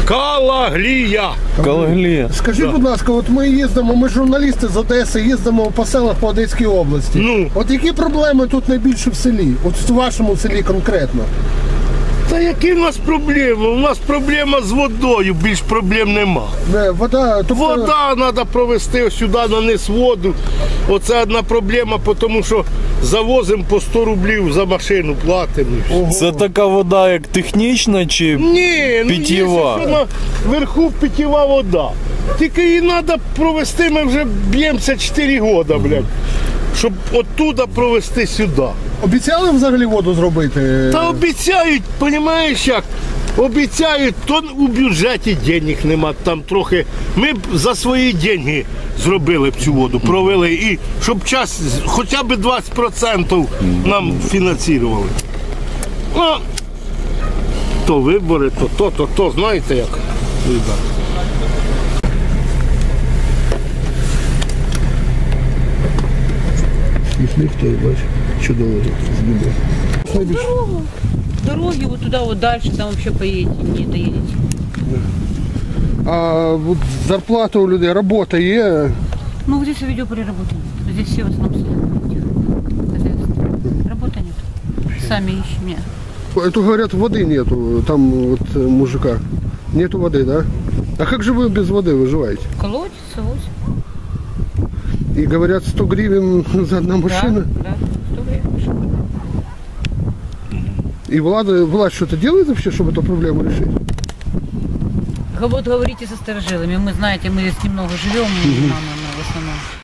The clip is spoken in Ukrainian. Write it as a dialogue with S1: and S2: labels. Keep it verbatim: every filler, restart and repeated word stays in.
S1: Калаглія.
S2: Калаглія.
S3: Скажіть,
S1: Да.
S3: будь ласка, от ми їздимо, ми журналісти з Одеси, їздимо по селах по Одеській області.
S1: Ну.
S3: От які проблеми тут найбільше в селі? От в вашому селі конкретно?
S1: Та які в нас проблеми? У нас проблема з водою, більш проблем нема.
S3: Не, вода, тобто...
S1: Вода треба провести сюди на низ воду. Оце одна проблема, тому що завозимо по сто рублів за машину, платимо.
S3: Ого.
S2: Це така вода, як технічна чи
S1: Ні, ну
S2: питєва?
S1: є, що наверху питєва вода. Тільки її треба провести, ми вже б'ємося чотири роки, блядь, щоб оттуда провести сюди.
S3: Обіцяли взагалі воду зробити?
S1: Та обіцяють, розумієш як? Обіцяють, то у бюджеті денег нема, там трохи. Ми б за свої деньги зробили б цю воду, провели, і щоб час, хоча б двадцять відсотків нам фінансували. Ну, то вибори, то то, то, то, знаєте як?
S3: Ніхто, бач, чудово збігає.
S4: Дорогу. Дороги вот туда вот дальше, там вообще поедете, не доедете.
S3: А от зарплата у людей, робота є?
S4: Ну, вот здесь видеопреработано. Здесь все в основном сидят. Хозяйство. Работы нет. Сами ищем. Нет.
S3: Это, говорят, воды нету, там вот мужика. Нету воды, да? А как же вы без воды выживаете?
S4: Колодец, ось.
S3: И говорят, сто гривен за одну машину.
S4: Да, да. сто гривен.
S3: И влада, власть что-то делает вообще, чтобы эту проблему решить?
S4: Вот говорите со старожилами. Мы, знаете, мы здесь немного живем, мама, в основном.